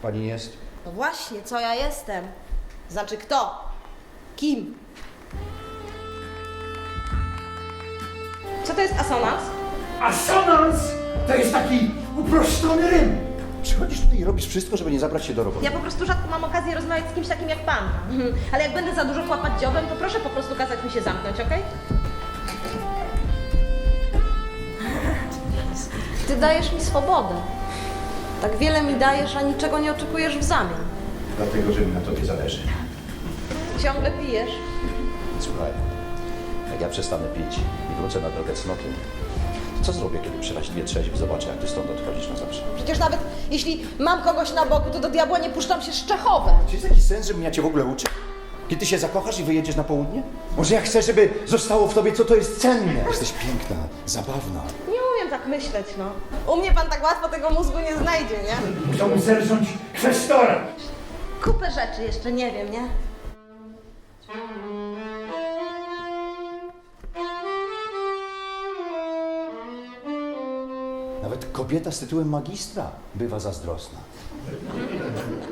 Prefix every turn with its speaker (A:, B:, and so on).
A: pani jest?
B: No właśnie, co ja jestem? Znaczy kto? Kim? Co to jest asonans?
A: Asonans to jest taki uproszczony rym. Przychodzisz tutaj i robisz wszystko, żeby nie zabrać się do roboty.
B: Ja po prostu rzadko mam okazję rozmawiać z kimś takim jak pan. Ale jak będę za dużo chłapać dziobem, to proszę po prostu kazać mi się zamknąć, okej? Ty dajesz mi swobodę. Tak wiele mi dajesz, a niczego nie oczekujesz w zamian.
A: Dlatego, że mi na tobie zależy.
B: Ciągle pijesz.
A: Słuchaj, jak ja przestanę pić i wrócę na drogę cnokiem, to co zrobię, kiedy przeraźliwie trzeźwy zobaczę, jak ty stąd odchodzisz na zawsze?
B: Przecież nawet jeśli mam kogoś na boku, to do diabła nie puszczam się z Czechowem.
A: Czy jest jakiś sens, żebym ja cię w ogóle uczył? Kiedy ty się zakochasz i wyjedziesz na południe? Może ja chcę, żeby zostało w tobie, co to jest cenne? Jesteś piękna, zabawna.
B: Nie umiem tak myśleć, no. U mnie pan tak łatwo tego mózgu nie znajdzie, nie?
A: Musiałbym zerząć kwestora.
B: Kupę rzeczy jeszcze nie wiem, nie?
A: Nawet kobieta z tytułem magistra bywa zazdrosna.